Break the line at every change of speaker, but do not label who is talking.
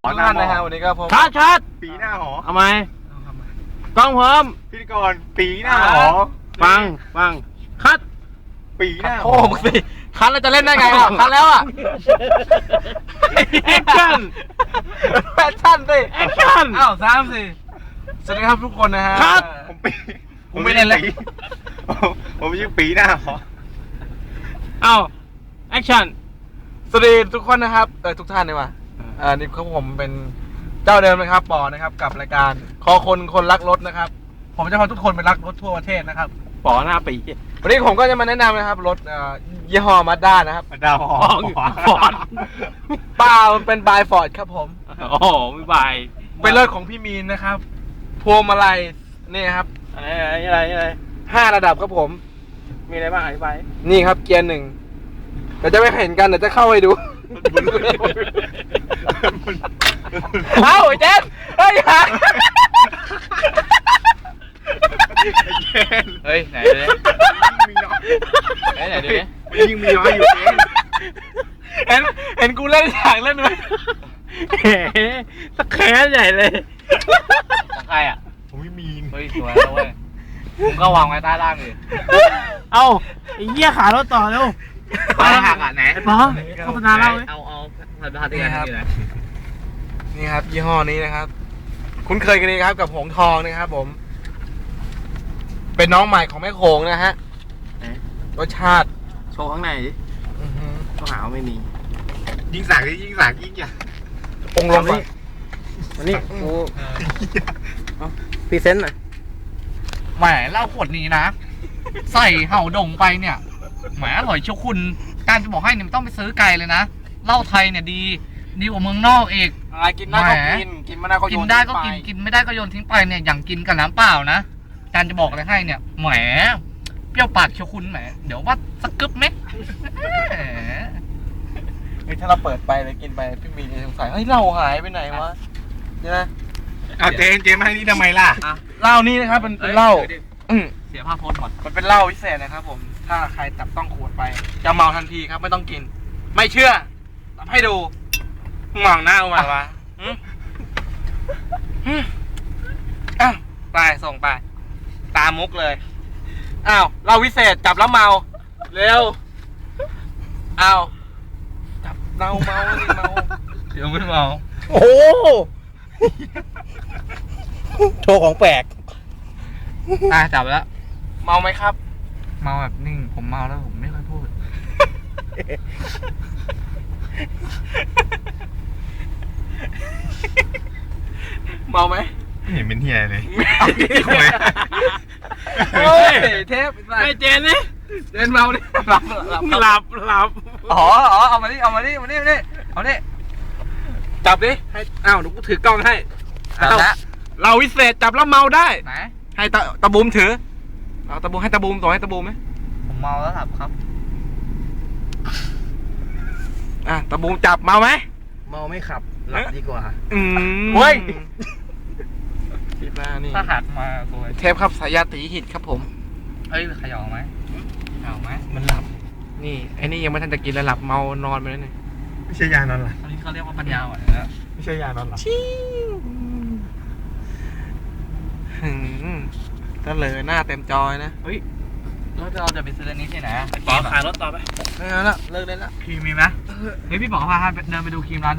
ทุกท่านนะฮะวันนี้ก็พบ
ชัด
ปีหน้าหอ
ทำไมกล้องพร้อม
พิธีกรปีหน้าหอ
ฟังคัด
ปีหน้าห
โอ้
อ
โหมึงสิคันแล้วจะเล่นได้ไงอ่ะคันแล้วอ่ะ
แอคชั่น
แฟชั่นสิ
แอคชั่น
อ้าวสามสี่สวัสดีครับทุกคนนะฮะ
ครับ
ผมปี
ผมไม่เล่นแล้ว
ผมชื่อปีหน้าหอ
เอ้าแอคชั่น
สวัสดีทุกคนนะครับทุกท่านเลยว่ะนี่ครับผมเป็นเจ้าเดิมนะครับปอนะครับกับรายการคอคนรักรถนะครับ ผมจะพาทุกคนไปรักรถทั่วประเทศนะครับ
ปอหน้าปี
วันนี้ผมก็จะมาแนะนำนะครับรถยี่ห้อมาด้านะครับ
ดาวหอ
ฟอร์ด
เปล่ามันเป็นบายฟอร์ดครับผม
โอ้โหไม่บาย
เป็นรถของพี่มีนนะครับพวงมาลัยนี่ครับ
อะไร
5 ระดับครับผม
มีอะไรบ้างอธิบาย
นี่ครับเกียร์หนึ่งเดี๋ยวจะไม่เห็นกันเดี๋ยวจะเข้าไปดู เอ้าไอ้เจนเฮ้ยหา
เฮ้ยไหนเลย
มีน้อย
ไหนดูดิ
ยิ่งมีน้อยอยู่เอง
เห็นกูเล่นฉากเล่นไหม
สแครใหญ่เลยของใครอ่ะ
ผมไม่มี
เฮ้ยสวยแล้วเว้ยมึงก็วางไว้ใต้ล่างดิเอ้าไอ้เหี้ยขารถต่อเร็ว
ไปหักอ่ะไหน
ไอ้ปอโฆษณาเล่าไหม
เอาพันธะที่กันนี่นะ
นี่ครับยี่ห้อนี้นะครับ คุ้นเคยกันดีครับกับหงทองนะครับผม เป็นน้องใหม่ของแม่โขงนะฮะรสชาติ
โชว์ข้างในดิ
อื้อหือ
ต้องหาว่าไม่มี
ยิ่งสักยิ่งสักยิ่งใหญ่
องค์ลงก่อน
วันนี้กูพรีเซนต์หน่อย
แหมเหล้าขวดนี้นะ ใส่เห่าดงไปเนี่ยแหมอร่อยเชียวคุณการจะบอกให้เนี่ยมันต้องไปซื้อไกลเลยนะเหล้าไทยเนี่ยดีกว่าเมืองนอกอีก
อะไรกินได้ก็กินกินไม่ได้ก็โย
กิน
น
ได้ก็
ทิ้ง
กินกินไม่ได้ก็โยนทิ้งไปเนี่ยอย่างกินกับน้ำเปล่านะการจะบอกอะไรให้เนี่ยแหมเปรี้ยวปากเชียวคุณแหมเดี๋ยวว่าสักกึ๊บไหมแหม
เฮ้ยถ้าเราเปิดไปเลยกินไปพี่มีนจะสงสัยเฮ้ยเหล้าหายไปไหนวะใช่ไหม
เอาเจนมาให้นี่ทำไมล่ะ
เหล้านี่นะครับเป็นเหล้าอืม
เสียภาพโพสต์หมด
มันเป็นเหล้าพิเศษนะครับผม ถ้าใครจับต้องขวดไป จะเมาทันทีครับไม่ต้องกิน ไม่เชื่อทำให้ดูมองหน้ากูมาวะอ้าวไปส่งไป ตามมุกเลย อ้าวเหล้าวิเศษจับแล้วเมา เร็ว อ้าวจับเราเมาสิเมา
เดี๋ยวไม่เมา
โอ้โชว์ของแปลก
จับแล้ว
เมาไหมครับ
เมาแบบนิ่งผมเมาแล้วผมไม่ค่อยพูด
เมาไหม
ไม่เห็นเป็นเฮียเลย
โอ้ยเทป
ไอ้เจนนี่
เดินเมาดิหลับ
หลับ
อ๋อเอามานี่เอามานี่จับดิให้อ้าวเดี๋ยวกูถือกล้องให้
จับแล้ว
เราวิเศษจับแล้วเมาได้
ไหน
ให้ตะบูมถือเอาตะบูมให้ตะบูมส่งให้ตะบูมไหม
ผมเมาแล้วครับ
ตะบูมจับเมาไหม
เมาไม่ขับหลับดีกว่า
เฮ้ยคิดว่านี่
ถ้าหักมาสวย
เทปครับสายาตีหิตครับผม
เอ้ยเขย่าไหมเขย่าไหม
มันหลับ
นี่ไอ้นี่ยังไม่ทันจะกินแล้วหลับเมานอนไปแล้วเนี่ย
ไม่ใช่ยานอนหลับ
อันนี้เขาเรียกว่าปัญญาอ่อนนะ
ไม่ใช่ยานอนหลับ
ก็เลยหน้าเต็มจอยนะ
แล้วเราจะไปซื้ออันนี้ที่ไหน
ปอขายรถต่อไป
ไม่เอาละเลิกเล่นละ
ครีมมีไหมเฮ้ยพี่บอกว่าพาเดินไปดูครีมร้าน